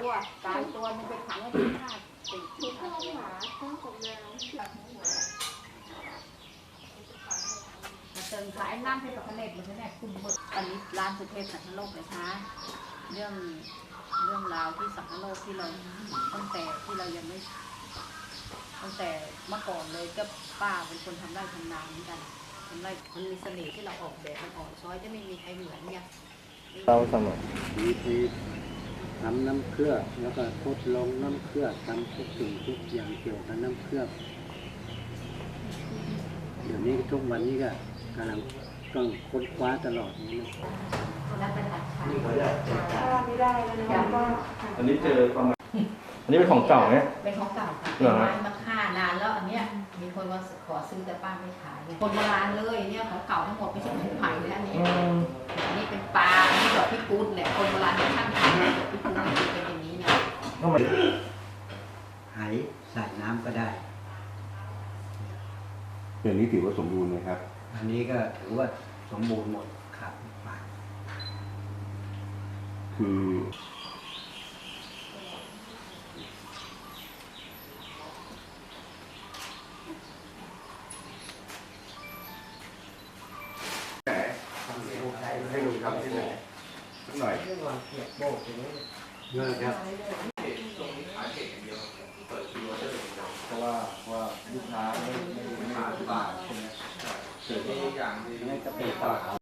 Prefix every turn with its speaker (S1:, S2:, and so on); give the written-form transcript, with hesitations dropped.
S1: ตัวตายตัวมันไปขังไว้ที่ผ้าติดที่ผ้าหมาข้าวของแมวเติมขายน้ำให้กับเล็ดมันแน่คุณหมดอันนี้ร้านสุเทพสังคโลกเลยคะเรื่องราวที่สังคโลกที่เราตั้งแต่ที่เรายังไม่ตั้งแต่เมื่อก่อนเลยก็ป้าเป็นคนทำไร่ทำนาเหมือนกันทำไร่มันมีเสน่ห์ที่เราออกแบบมันออกช้อยจะไม่มีใครเหมือนไง
S2: เราเสมอ
S3: วิธีทำน้ำเคลือบแล้วก็ทดลองน้ำเคลือบทำทุกสิ่งทุกอย่างเกี่ยวกับน้ำเคลือบเดี๋ยวนี้ทุกวันนี้ก็กำลังต้องค้นคว้าตลอดนี่นะ
S1: นี่ไม่ได้แล้วนะ
S2: อันนี้เจอประมาณอันนี้เป็นของเก่าเนี่ย
S1: เป็นของเก่าค่ะเป็นไม้มาฆ่านานแล้วอันเนี้ยมีคนมาขอซื้อแต่ป้าไม่ขายคนโบราณเลยเนี่ยของเก่าทั้งหมดไม่ใช่ของไผ่เลยอันนี้เป็นปลาอันนี้ดอกพิกุลแหละคนโบราณท่านทำดอกพิกุลเป็นอย่างนี้นะ
S3: หายใส่น้ำก็ได้
S4: เดือนนี้ถือว่าสมบูรณ์ไหมครับ
S3: อันนี้ก็ถือว่าสมบูรณ์หมดครับปาก
S4: คือให้ลุงทำที่ไหนสักหน่อย
S3: เรื่องวันเกียบโบกอย่างนี้เลิกครับ
S2: เพราะว่าลูกค้าไม่มาที่บ้านใช่ไหมเกิดที่อย่างนี้
S3: นี่ก็เป็นต่อ